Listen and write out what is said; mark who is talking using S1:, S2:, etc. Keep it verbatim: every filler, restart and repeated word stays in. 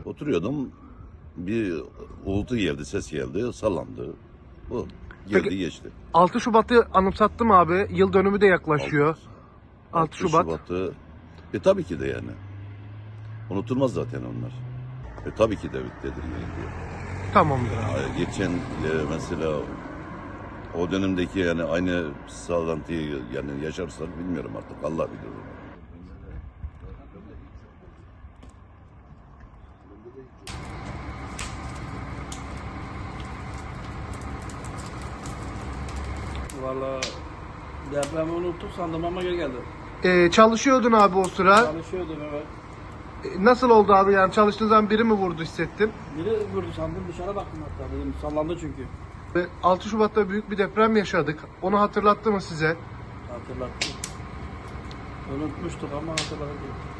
S1: Oturuyordum. Bir uğultu geldi, ses geldi, sallandı. Bu geldi
S2: Peki-
S1: geçti.
S2: altı Şubat'ı anımsattı mı abi? Yıl dönümü de yaklaşıyor. altı Şubat.
S1: Şubat'ı e tabii ki de yani. Unutulmaz zaten onlar. E tabii ki de tedirgin.
S2: Tamamdır abi.
S1: Ay, Geçen e, mesela o dönemdeki yani aynı sallantıyı yani yaşarsak bilmiyorum artık, Allah bilir onu.
S3: Valla depremi unuttuk sandım ama geri geldim.
S2: Ee, çalışıyordun abi o sıra.
S3: Çalışıyordum evet.
S2: Ee, Nasıl oldu abi? Yani çalıştığın zaman biri mi vurdu hissettin?
S3: Biri vurdu sandım, dışarı baktım hatta, dedim sallandı çünkü.
S2: Ve altı Şubat'ta büyük bir deprem yaşadık. Onu hatırlattı mı size?
S3: Hatırlattım. Unutmuştuk ama hatırladım.